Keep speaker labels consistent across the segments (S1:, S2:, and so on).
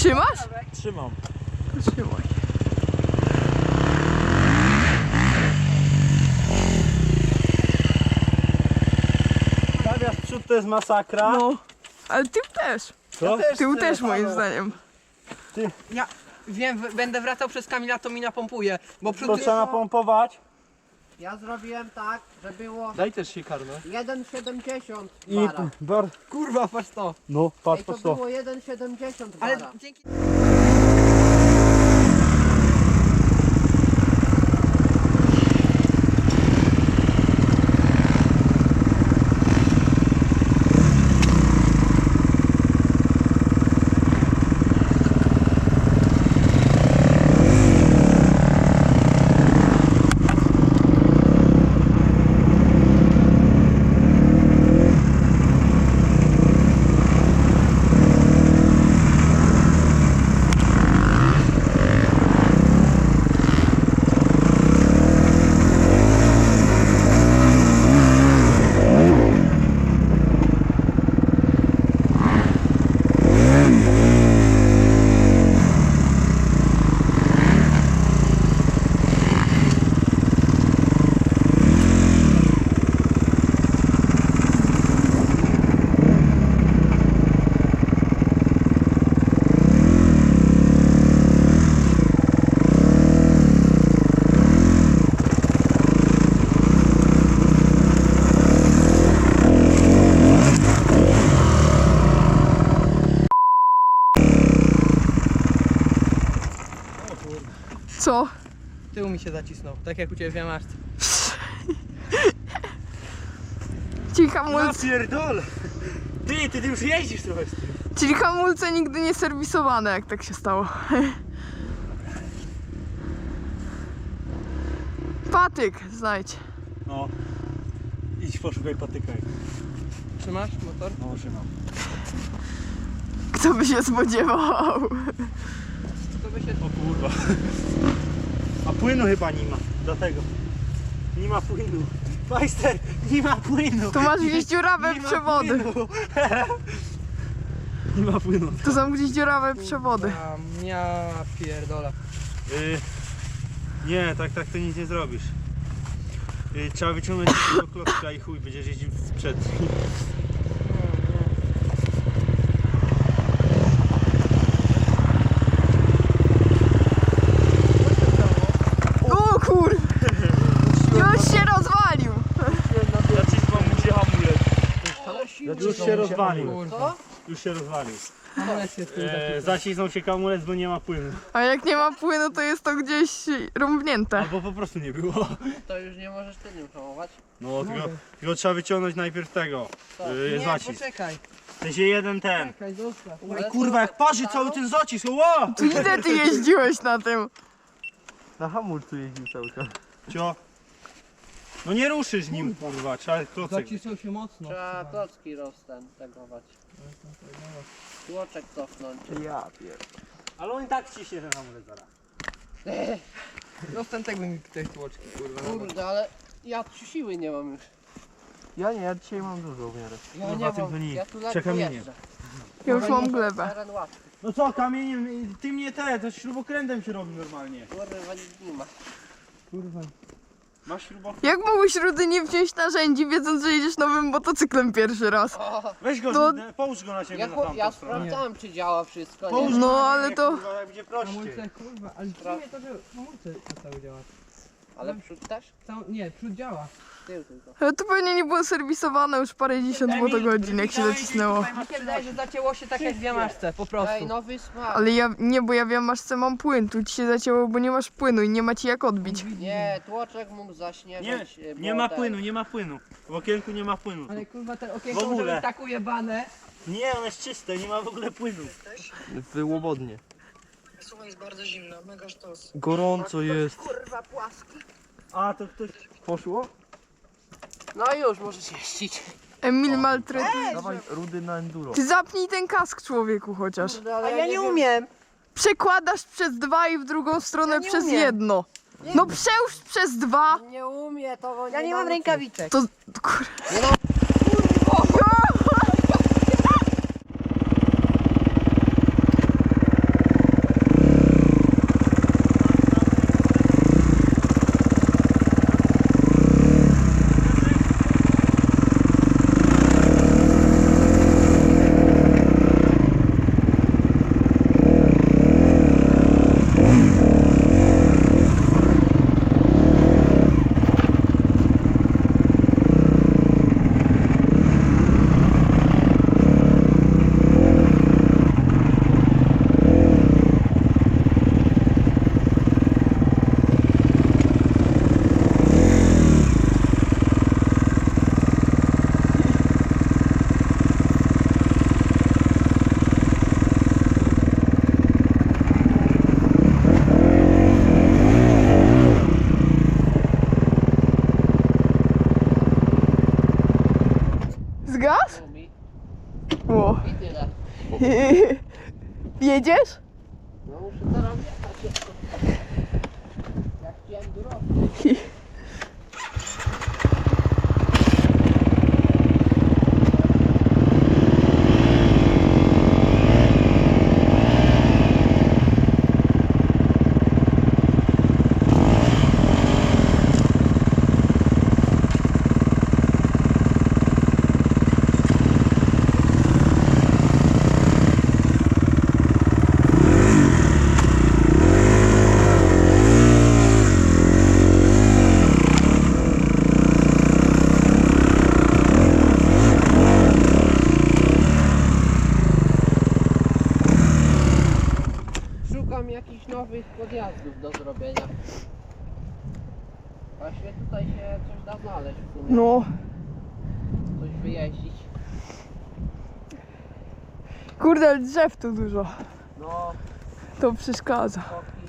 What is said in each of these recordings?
S1: Trzymasz?
S2: Trzymam.
S1: Trzymaj.
S2: Stawiasz przód, to jest masakra.
S1: No, ale tył też.
S2: Co?
S1: Tył też moim zdaniem.
S3: Ja wiem, będę wracał przez Kamila, to mi napompuje, bo przód...
S2: To trzeba napompować.
S4: Ja zrobiłem tak, że było
S3: Daj też się karmę.
S4: 1,70
S2: I
S4: bara.
S3: Kurwa, patrz to.
S2: No, patrz,
S4: Ej, to
S2: patrz to.
S4: było 1,70
S3: Ale
S4: bara.
S3: dzięki...
S1: Co?
S3: Tył mi się zacisnął, tak jak u Ciebie w Jamaszce.
S1: Czyli hamulce,
S2: pierdolę. Ty już jeździsz trochę z tym.
S1: czyli hamulce nigdy nie serwisowane, jak tak się stało. Patyk znajdź.
S2: No. Idź poszukaj patyka.
S3: Trzymasz motor?
S2: No, trzymam.
S1: Kto by się spodziewał?
S3: To by się...
S2: O kurwa. A płynu chyba nie ma, dlatego. Nie ma płynu. Majster, nie ma płynu.
S1: Tu masz gdzieś dziurawe
S2: Nie ma
S1: przewody.
S2: płynu. Nie ma płynu.
S1: Tu są gdzieś dziurawe przewody.
S3: Ja pierdolę.
S2: Nie, tak to nic nie zrobisz. Trzeba wyciągnąć tego klocka i chuj, będziesz jeździł z przedni.
S1: O kur... Już się rozwalił.
S2: Zacisnął mu się hamulec. Już się rozwalił.
S3: Kurwa.
S2: Już się rozwalił.
S3: Hamulec się z tym zacisnął.
S2: Zacisnął się hamulec, bo nie ma płynu.
S1: A jak nie ma płynu, to jest to gdzieś rąbnięte.
S2: Albo po prostu nie było.
S4: To już nie możesz tylnym hamować.
S2: No, tylko trzeba wyciągnąć najpierw tego.
S3: Nie,
S2: Zacisk.
S3: poczekaj.
S2: W sensie jeden ten.
S3: Czekaj, zostaw.
S2: Oj kurwa, jak parzy cały ten zacisk. Ło!
S1: Tu ile ty jeździłeś na tym?
S2: Na hamulcu jeździł cały czas. Cio. No nie ruszysz nim, kurwa, trzeba klocek.
S3: Zacisnął się mocno.
S4: Trzeba klocki roztegować. Tłoczek cofnąć.
S2: Ja ale on i tak wciśnie ten hamulec zaraz.
S3: Roztętegły mi tej tłoczki, kurwa.
S4: Kurde, ale ja siły nie mam już.
S2: Ja nie, ja dzisiaj mam dużo w miarę.
S4: Ja
S2: Kurwa,
S4: nie
S2: tym to
S4: mam,
S2: nie.
S4: ja tu ledwo
S2: Czekamieniem.
S4: jeżdżę.
S1: Ja już mam glebę.
S4: Teren łatwy.
S2: No co, kamieniem, ty mnie to śrubokrętem się robi normalnie.
S4: Kurwa, nic nie ma.
S2: Kurwa. Masz śrubokręt?
S1: Jak mogłeś Rudy nie wziąć narzędzi, wiedząc, że jedziesz nowym motocyklem pierwszy raz?
S4: O,
S2: Weź go,
S1: No-
S2: połóż go na siebie
S4: ja,
S2: na
S4: ja
S2: tamtą stronę.
S4: sprawdzałem, czy działa wszystko.
S2: Połóż
S4: Nie?
S2: go
S1: No,
S2: na
S1: ale
S2: ziemię,
S1: to-
S2: Kurwa, jak będzie prościej.
S3: Hamulce, kurwa, ale dziwnie to, że hamulce przestały działać.
S4: Ale przód też?
S3: Nie, przód działa.
S4: Tył tylko.
S1: Ale to pewnie nie było serwisowane już parędziesiąt motogodzin, jak się zacisnęło.
S3: Mi się wydaje, że zacięło się tak jak w Jamaszce, po prostu.
S4: Ej, nowy smak.
S1: Ale ja nie, bo ja wiem, aż mam płyn. Tu ci się zacięło, bo nie masz płynu i nie ma ci jak odbić.
S4: Nie, tłoczek mógł zaśnieżać.
S2: Nie ma płynu, nie ma płynu. W okienku nie ma płynu.
S3: Ale kurwa, te
S2: W
S3: okienko
S2: ogóle.
S3: może być tak ujebane.
S2: Nie, ono jest czyste, nie ma w ogóle płynu.
S5: Wyłobodnie.
S6: Słuchaj, jest bardzo zimno, mega sztos.
S5: Gorąco jest.
S2: A, to ktoś...
S5: Poszło?
S4: No już, możesz jeździć.
S1: Emil maltretuje.
S5: Dawaj Rudy na enduro.
S1: Ty zapnij ten kask, człowieku, chociaż.
S4: Kurde, ale
S3: A ja nie
S4: wiem.
S3: umiem.
S1: Przekładasz przez dwa i w drugą stronę
S3: nie
S1: przez
S3: umiem.
S1: jedno. No przełóż przez dwa.
S4: Nie umie, to
S3: Ja nie mam rękawiczek.
S1: To... Kur...
S4: Nie no, tyle.
S1: Jedziesz?
S4: No muszę teraz jechać jeszcze. Jak ci enduro. Szukam jakichś nowych podjazdów do zrobienia. Właśnie tutaj się coś da znaleźć w sumie.
S1: No.
S4: Coś wyjeździć.
S1: Kurde, ale drzew tu dużo.
S4: No,
S1: To przeszkadza.
S4: koki.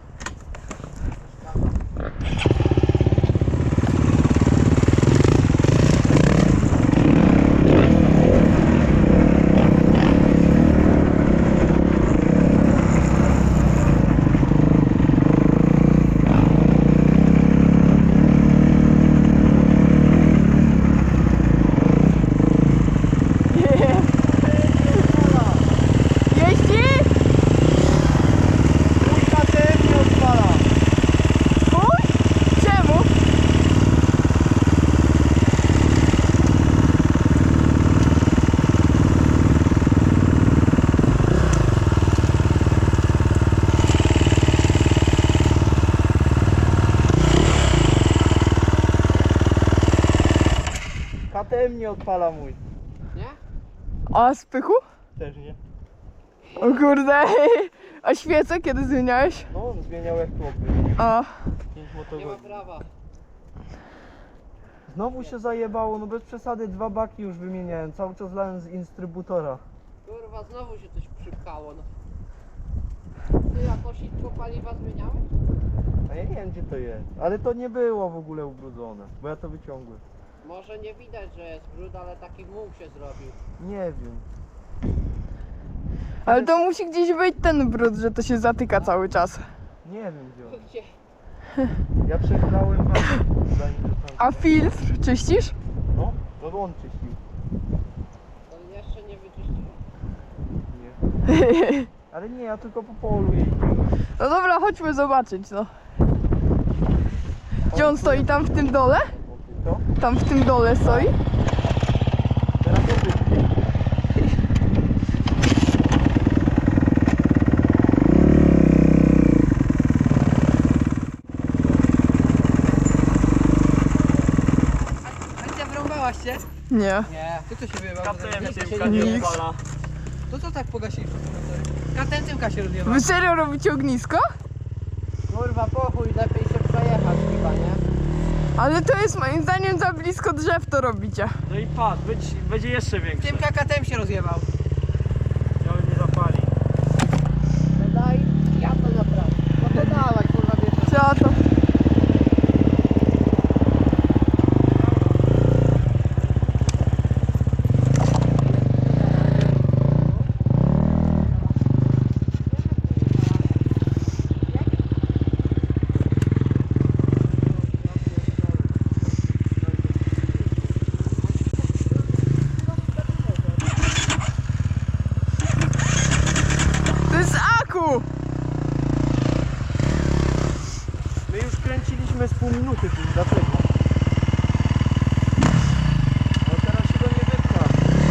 S1: Jeździ?
S2: KTM nie odpala.
S1: Chuj? Czemu?
S2: KTM nie odpala mój.
S4: Nie?
S1: A spychu?
S2: Też nie.
S1: O kurde. A świece kiedy zmieniałeś?
S2: No, zmieniał jak chłopy.
S1: A.
S2: 5
S4: Nie ma
S2: motogodzin.
S4: prawa.
S2: Znowu się zajebało, no bez przesady 2 baki już wymieniałem. Cały czas lałem z instrybutora.
S4: Kurwa, znowu się coś przypkało. No. Ty jakoś litro paliwa zmieniałeś?
S2: A ja nie wiem gdzie to jest. Ale to nie było w ogóle ubrudzone, bo ja to wyciągłem.
S4: Może nie widać, że jest brud, ale taki muł się zrobił.
S2: Nie wiem.
S1: Ale to musi gdzieś być ten brud, że to się zatyka cały czas.
S2: Nie wiem gdzie on.
S4: Gdzie?
S2: Ja przechlałem zanim to tam.
S1: A filtr czyścisz?
S2: No, no on czyścił.
S4: To jeszcze nie wyczyściłem.
S2: Nie. Ale nie, ja tylko po polu jeździłem.
S1: No dobra, chodźmy zobaczyć, no. Gdzie on stoi? Tam w tym dole?
S2: Co?
S1: Tam w tym dole stoi?
S2: Teraz to
S3: Alicja, wyrąbałaś się?
S1: Nie.
S4: Nie.
S3: Ty to się wyjebał?
S2: KTM
S3: Nie,
S2: Tymka
S1: nie
S2: nie
S1: odpala.
S2: odpala.
S3: To co tak pogasili wszyscy motory? KTM Tymka się rozjebał.
S1: Wy serio robicie ognisko?
S4: Kurwa, pochuj, lepiej się przejechać chyba, nie?
S1: Ale to jest moim zdaniem za blisko drzew to robicie.
S2: No i patrz, będzie jeszcze większy.
S3: Tymka KTM się rozjebał.
S2: Ja nie zapali.
S4: No daj, ja to naprawię. No to dawaj, kurwa, bierze.
S1: Co to? To jest aku!
S2: My już kręciliśmy z pół minuty tym, dlatego. No teraz się go nie wypcha.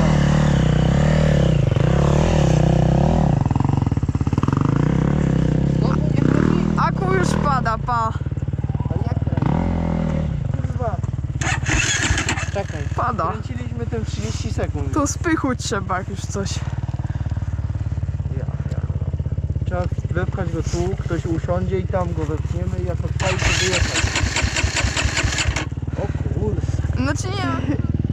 S4: Znowu nie chodzi?
S1: Aku już pada, pa.
S4: To jak kręci?
S2: Kurwa,
S4: Czekaj.
S1: Pada.
S2: kręciliśmy tym 30 sekund.
S1: To spychu trzeba jak już coś.
S2: Ja. Trzeba wepchać go tu, ktoś usiądzie i tam go wepchniemy i jak odpali to wyjechać. O kurde.
S1: Znaczy nie.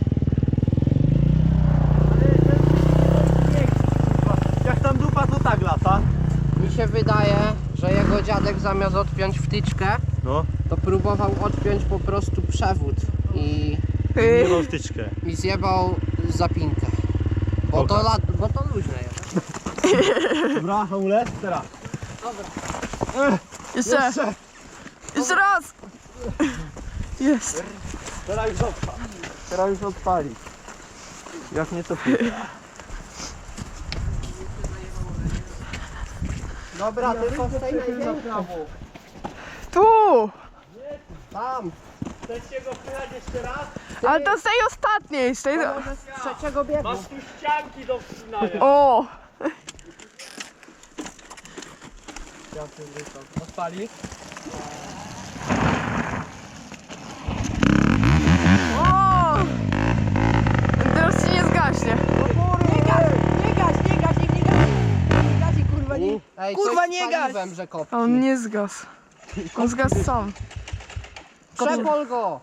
S2: Jak tam dupa to tak lata.
S4: Mi się wydaje, że jego dziadek zamiast odpiąć wtyczkę,
S2: No.
S4: to próbował odpiąć po prostu przewód i
S2: Nie mam wtyczkę.
S4: zjebał zapinkę. Bo to luźne jest.
S2: Dobra, hamulec, teraz.
S1: Jeszcze. Jeszcze raz. Jest.
S2: Teraz już odpal.
S5: Teraz już odpali. Jak nie to pies.
S4: Dobra, tylko z tej największej.
S1: Tu.
S4: Tam.
S2: Chcecie go wpychać jeszcze raz?
S1: Ale to z tej ostatniej. Z tej...
S4: Może z trzeciego biegu.
S2: Masz tu ścianki do wcinania.
S1: O.
S3: Odpali.
S1: O. Teraz ci nie zgaśnie.
S4: Ej,
S3: Kurwa,
S4: coś
S3: nie
S4: z
S3: gaś!
S4: paliwem, że kopci.
S1: A on nie zgasł. On zgasł sam.
S4: Przepol go!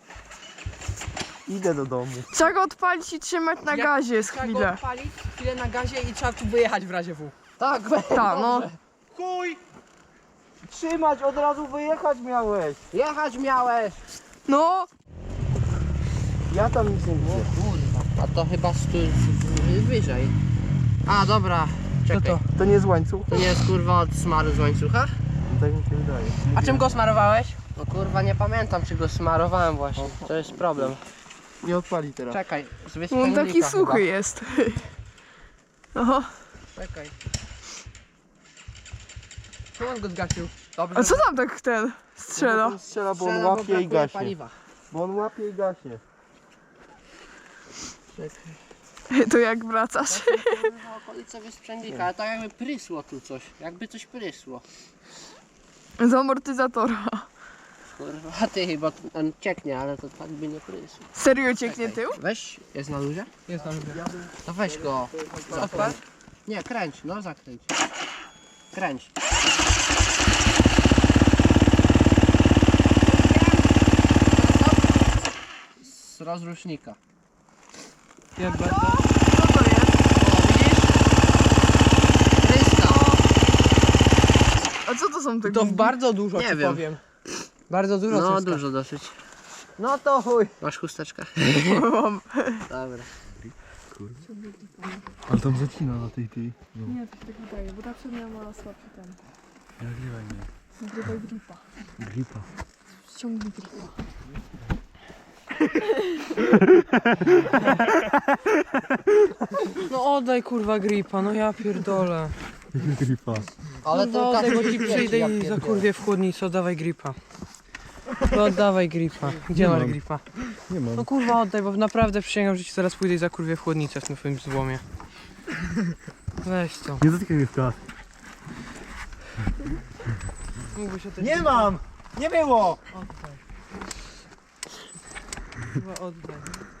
S5: Idę do domu.
S1: Trzeba go odpalić i trzymać na gazie z
S3: Trzeba go
S1: chwilę.
S3: odpalić, chwilę na gazie i trzeba tu wyjechać w razie W.
S4: Tak,
S1: Tak, no.
S2: Chuj!
S5: Trzymać, od razu wyjechać miałeś.
S4: jechać miałeś!
S1: No.
S5: Ja tam nic nie widzę.
S4: Kurwa, a to chyba wyżej. A, dobra, czekaj.
S5: To nie z łańcuch?
S4: To nie jest kurwa od smaru z łańcucha?
S5: Tak mi się wydaje.
S3: A czym go smarowałeś?
S4: No kurwa, nie pamiętam czy go smarowałem właśnie. To jest problem.
S5: Nie odpali teraz.
S4: Czekaj, z
S1: On
S4: wyspędnika
S1: taki
S4: chyba.
S1: suchy jest. Oho.
S4: Czekaj.
S3: Czemu on go zgasił?
S4: Dobrze.
S1: A co tam tak ten strzela?
S5: On strzela, bo on
S4: Strzela, bo
S5: łapie i
S4: brakuje
S5: gaśnie.
S4: paliwa.
S5: Bo on łapie i gaśnie.
S1: To jak wracasz?
S4: Kurwa, okolice wysprzędnika, ale tak jakby prysło tu coś. Jakby coś prysło.
S1: Z amortyzatora.
S4: Kurwa, ty, bo on cieknie, ale to tak by nie prysło.
S1: Serio cieknie tył?
S4: Weź, jest na luzie?
S3: Jest tam.
S4: To weź go.
S3: Odpal?
S4: Nie, kręć, no zakręć. Kręć. Z rozrusznika.
S1: Co to jest?
S4: Pryska.
S1: A co to są te
S3: To
S1: gumy?
S3: bardzo dużo
S4: Nie
S3: ci
S4: wiem.
S3: powiem. Bardzo dużo
S4: No
S3: cyska.
S4: dużo dosyć.
S3: No to chuj.
S4: Masz chusteczkę?
S1: Mam.
S4: Dobra.
S5: Ale tam zacina na tej.
S7: Nie, to się tak wydaje, bo ta przednia ma słabszy ten.
S5: Nagrywaj mnie.
S7: Nagrywaj gripa.
S5: Gripa.
S7: Ściągnij gripa.
S3: No oddaj kurwa gripa, no ja pierdolę.
S5: Gripa.
S4: Ale
S3: No
S4: to
S3: oddaj, bo ci
S4: każdy
S3: przyjdę
S4: ja
S3: i
S4: pierdolę.
S3: zakurwię w chłodnicę, oddawaj gripa. No oddawaj gripa. Gdzie masz gripa?
S5: Nie mam.
S3: No kurwa oddaj, bo naprawdę przysięgam, że ci zaraz pójdę i zakurwię w chłodnicę w tym twoim złomie. Weź to.
S5: Nie dotykaj mnie w klas.
S3: Mógłbyś oddać
S2: Nie
S3: gripa.
S2: mam! Nie było!
S3: Oddaj. Kurwa oddaj.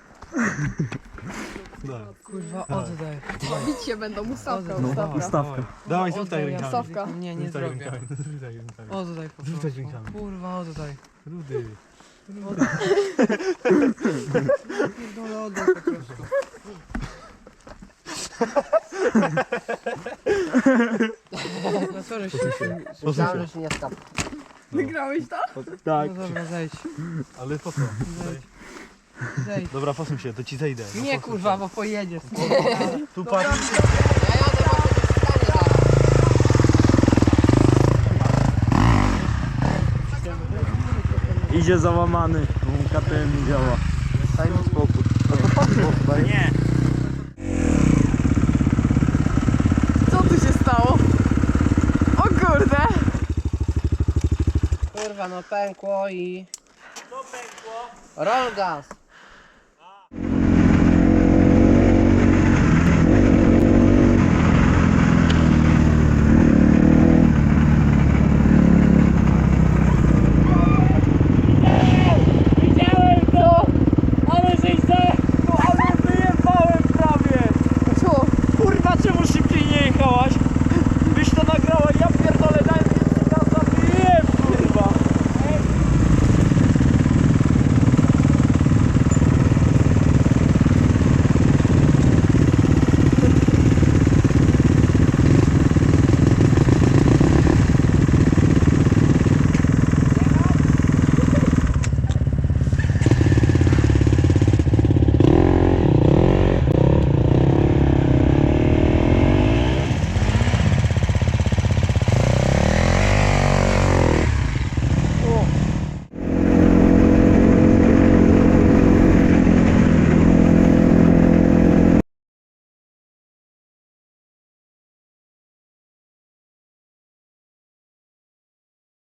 S3: Kurwa oddaj.
S7: Bić się będą, ustawka,
S3: No,
S7: ustawka.
S5: Ustawka.
S2: Dawaj,
S3: Oddaj
S2: rzucaj
S3: rękami.
S7: Ustawka.
S3: Nie, nie
S2: Rzucaj
S3: zrobię.
S2: rękami, rzucaj rękami.
S3: Oddaj po
S2: Rzucaj
S3: prostu.
S2: rękami.
S3: Kurwa oddaj.
S2: Rudy.
S3: Pierdolę oddaj po prostu. No co żeś się...
S4: Myślałem, że się nie skapł.
S1: Wygrałeś to?
S2: Tak,
S3: No dobra, zejdź.
S2: ale po co?
S3: Zejdź.
S2: Dobra, posuń się, to ci zejdę. No,
S3: Nie
S2: posuń
S3: kurwa,
S2: się.
S3: bo pojedziesz.
S2: Tu patrz.
S4: Ja jadę, bo się dostanie zaraz.
S5: Idzie załamany. KTM nie działa. Daj mi spokój. No to patrz, daj.
S2: Nie.
S1: Co tu się stało? O kurde.
S4: Kurwa, no pękło i... Roll gas.